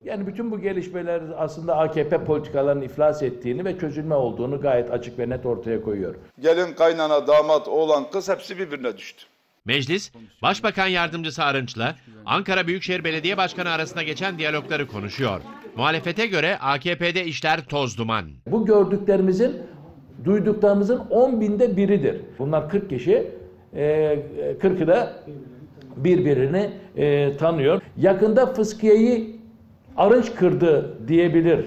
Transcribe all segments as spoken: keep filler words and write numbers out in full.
Yani bütün bu gelişmeler aslında A K P politikalarının iflas ettiğini ve çözülme olduğunu gayet açık ve net ortaya koyuyor. Gelin, kaynana, damat, oğlan, kız hepsi birbirine düştü. Meclis, Başbakan Yardımcısı Arınç'la Ankara Büyükşehir Belediye Başkanı arasında geçen diyalogları konuşuyor. Muhalefete göre A K P'de işler toz duman. Bu gördüklerimizin, duyduklarımızın on binde biridir. Bunlar kırk kişi, kırkı da birbirini tanıyor. Yakında fıskiyeyi Arınç kırdı diyebilir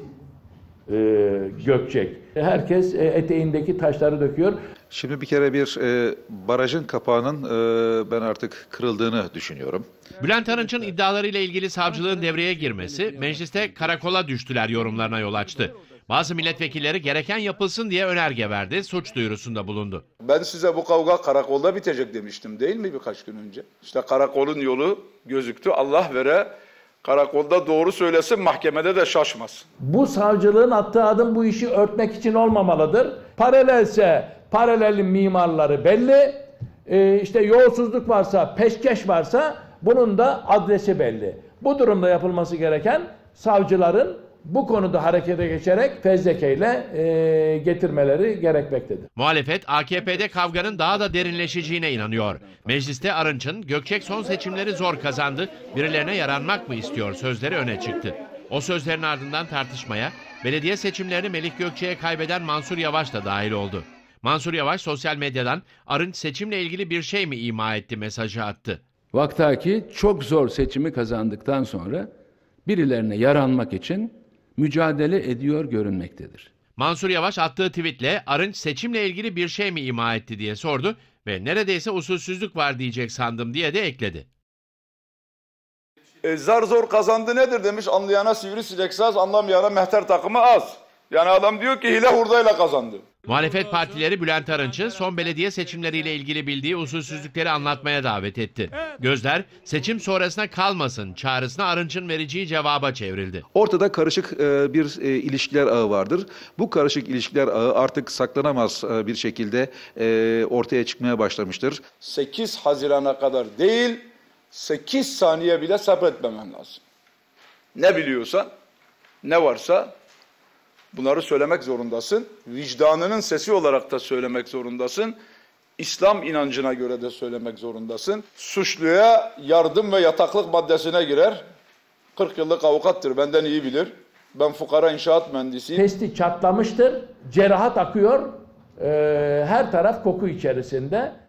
Gökçek. Herkes eteğindeki taşları döküyor. Şimdi bir kere bir e, barajın kapağının e, ben artık kırıldığını düşünüyorum. Bülent Arınç'ın iddialarıyla ilgili savcılığın devreye girmesi mecliste karakola düştüler yorumlarına yol açtı. Bazı milletvekilleri gereken yapılsın diye önerge verdi, suç duyurusunda bulundu. Ben size bu kavga karakolda bitecek demiştim değil mi birkaç gün önce? İşte karakolun yolu gözüktü. Allah vere karakolda doğru söylesin, mahkemede de şaşmasın. Bu savcılığın attığı adım bu işi örtmek için olmamalıdır. Paralelse paralelin mimarları belli. Ee, işte yolsuzluk varsa, peşkeş varsa bunun da adresi belli. Bu durumda yapılması gereken savcıların bu konuda harekete geçerek fezlekeyle e, getirmeleri gerekmektedir. Muhalefet A K P'de kavganın daha da derinleşeceğine inanıyor. Mecliste Arınç'ın Gökçek son seçimleri zor kazandı, birilerine yaranmak mı istiyor sözleri öne çıktı. O sözlerin ardından tartışmaya belediye seçimlerini Melih Gökçek'e kaybeden Mansur Yavaş da dahil oldu. Mansur Yavaş sosyal medyadan Arınç seçimle ilgili bir şey mi ima etti mesajı attı. Vaktaki çok zor seçimi kazandıktan sonra birilerine yaranmak için mücadele ediyor görünmektedir. Mansur Yavaş attığı tweetle Arınç seçimle ilgili bir şey mi ima etti diye sordu ve neredeyse usulsüzlük var diyecek sandım diye de ekledi. E, zar zor kazandı nedir demiş, anlayana sivrisinek saz, anlamayana mehter takımı az. Yani adam diyor ki hile hurdayla kazandı. Muhalefet partileri Bülent Arınç'ı son belediye seçimleriyle ilgili bildiği usulsüzlükleri anlatmaya davet etti. Gözler seçim sonrasına kalmasın çağrısına Arınç'ın vereceği cevaba çevrildi. Ortada karışık e, bir e, ilişkiler ağı vardır. Bu karışık ilişkiler ağı artık saklanamaz e, bir şekilde e, ortaya çıkmaya başlamıştır. sekiz Haziran'a kadar değil, sekiz saniye bile sabretmemem lazım. Ne biliyorsan, ne varsa bunları söylemek zorundasın. Vicdanının sesi olarak da söylemek zorundasın. İslam inancına göre de söylemek zorundasın. Suçluya yardım ve yataklık maddesine girer. kırk yıllık avukattır, benden iyi bilir. Ben fukara inşaat mühendisiyim. Testi çatlamıştır, cerahat akıyor, ee, her taraf koku içerisinde.